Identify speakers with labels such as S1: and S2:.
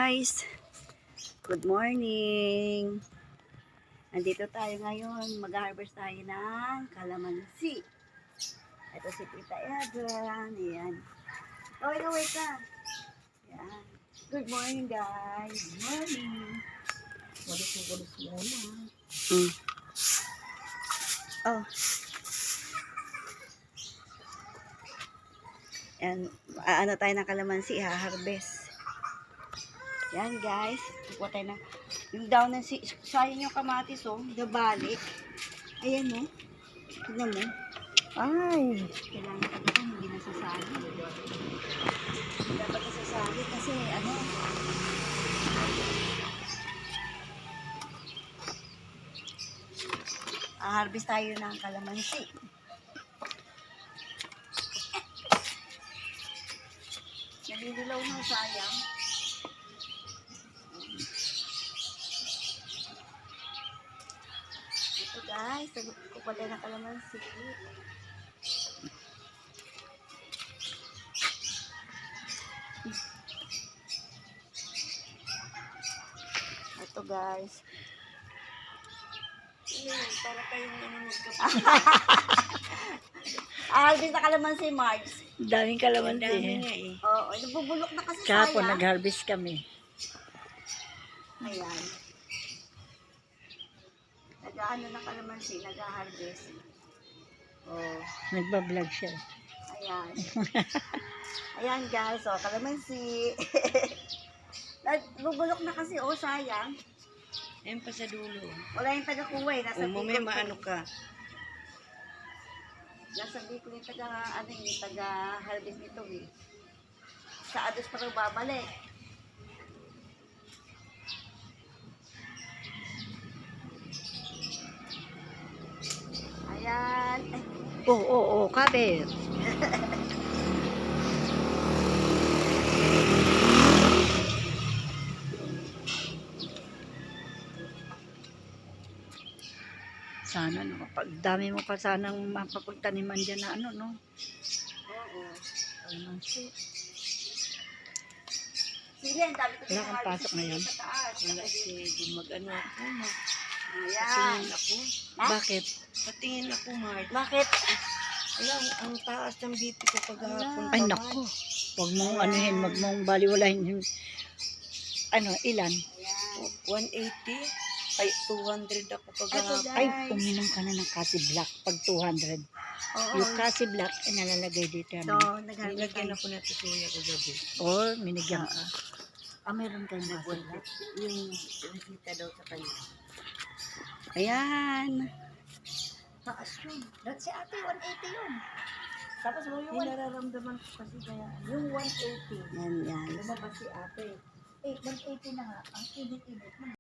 S1: guys! Good morning! Nandito tayo ngayon. Mag-harvest tayo ng kalamansi. Ito si Tita Edran. Ayan. Kaway ka. Ayan. Good morning guys! Good morning! Walis muna. Oh. Ayan. Ano tayo ng kalamansi. Ha-harvest. Yan guys, kukuha tayo ng yung down ng sayang yung kamatis oh, nabalik. Ayan oh. Tignan mo. Ay, kailangan ka ba hindi nasasali. Dapat nasasali kasi ano. Harvest tayo ng kalamansi. Nalililaw na sayang. Ito guys, kukuha tayo ng kalamansi. Ito guys. Para kayong nanonood ka pa. Harvest na kalamansi, Marge.
S2: Daming kalamansi.
S1: Dami nga eh. Oo, nabubulok na kasi
S2: Kahapon
S1: sayang.
S2: nag-harvest kami.
S1: Ayan. Nag-ano na kalamansi, nag-harvest. Oh.
S2: Nagbablog siya.
S1: Ayan. Ayan guys, oh, kalamansi. Nabubulok na kasi, oh, sayang.
S3: Ayan pa sa dulo.
S1: Wala yung taga-kuha eh. Nasa
S3: Mamaya maano ka.
S1: Nasa Bicol yung taga-harvest nito eh. Sa Ados pa rin babalik. Ayan. Ay.
S2: Oo, kabit. Sana no, pag dami mo pa sanang mapapagtaniman dyan na ano no.
S1: Oo.
S2: Kalamansi.
S1: Sige, ang dami ko
S2: Wala kang pasok ngayon?
S1: sa taas.
S3: Wala sige, mag-ano ako.
S1: Ayan.
S3: Patingin ako.
S1: Ha?
S2: Bakit?
S3: Patingin ako, Mark.
S1: Bakit?
S3: Wala, ang taas ng BP ko kagahapon.
S2: Ay nako. Huwag mong anuhin, huwag mong baliwalahin yung ano, ilan?
S1: Ayan.
S3: 180. Ay, 200 ako
S1: Ito
S3: kagahapon.
S1: guys.
S2: Ay, uminom ka na ng kasi black pag 200.
S1: Oo.
S2: Yung kasi black, nalalagay dito.
S1: So,
S2: Ano?
S1: nag-harvest
S3: Nilagyan
S1: tayo.
S3: ako na tutuya kagabi.
S2: Or, minigyan ka. Ah, meron kayong kasi black.
S3: Yung nakita daw sa kanya.
S1: Ayan. Taas yun. Dahil si ate, 180 yun. Tapos mo yung
S3: Yung nararamdaman ko kasi kaya.
S1: yung 180. Yan, yan.
S3: Lumabas si ate.
S1: 180 na nga. Ang init-init na.